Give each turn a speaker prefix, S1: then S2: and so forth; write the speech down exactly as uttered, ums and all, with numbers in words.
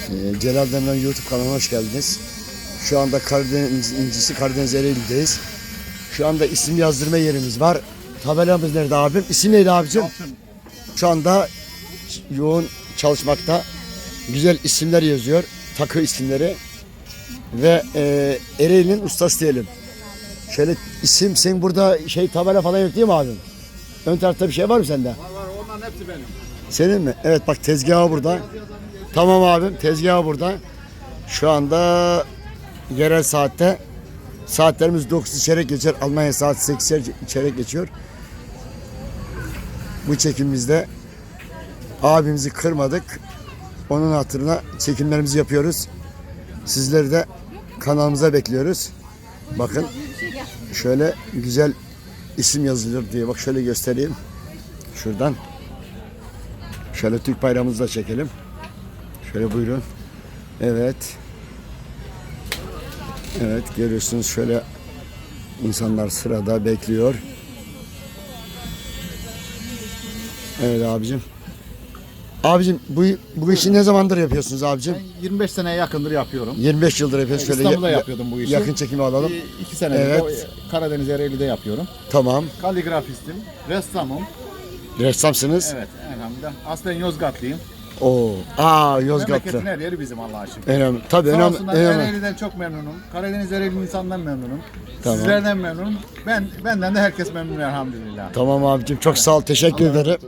S1: Ee, Celal Demren YouTube kanalına hoş geldiniz. Şu anda Karadeniz incisi Karadeniz Ereğli'deyiz. Şu anda isim yazdırma yerimiz var. Tabelamız nerede abim? İsim neydi abicim? Şu anda yoğun çalışmakta. Güzel isimler yazıyor. Takı isimleri. Ve e, Ereğli'nin ustası diyelim. Şöyle isim, sen burada şey tabela falan yok değil mi abim? Ön tarafta bir şey var mı sende?
S2: Var var, onların hepsi benim.
S1: Senin mi? Evet bak tezgahı burada. Tamam abim, tezgahı burada. Şu anda yerel saatte saatlerimiz dokuz çeyrek geçer. Almanya saat sekiz çeyrek geçiyor. Bu çekimimizde abimizi kırmadık. Onun hatırına çekimlerimizi yapıyoruz. Sizleri de kanalımıza bekliyoruz. Bakın şöyle güzel isim yazılıyor diye. Bak şöyle göstereyim. Şuradan. Şöyle Türk bayrağımızı da çekelim. Şöyle buyurun. Evet. Evet görüyorsunuz şöyle insanlar sırada bekliyor. Evet abicim. Abicim bu, bu işi ne zamandır yapıyorsunuz abicim?
S2: Ben yirmi beş seneye yakındır yapıyorum.
S1: yirmi beş yıldır yapıyorsunuz. Şöyle
S2: İstanbul'da
S1: ya-
S2: yapıyordum bu işi.
S1: Yakın çekimi alalım.
S2: Bir, iki senedir
S1: Evet.
S2: de Karadeniz Ereğli'de yapıyorum.
S1: Tamam.
S2: Kaligrafistim, ressamım.
S1: Ressamsınız.
S2: Evet, elhamdülillah. Aslen Yozgatlıyım.
S1: Oo. Aa Yozgatlı.
S2: Memleketin her yeri bizim Allah'a şükür.
S1: Önemli. Tabii
S2: Sağ
S1: önemli.
S2: olsunlar,
S1: önemli.
S2: Ereğli'den çok memnunum. Karadeniz Ereğli insandan memnunum.
S1: Tamam.
S2: Sizlerden memnunum. Ben benden de herkes memnun elhamdülillah.
S1: Tamam abicim çok sağ ol. Teşekkür ederim.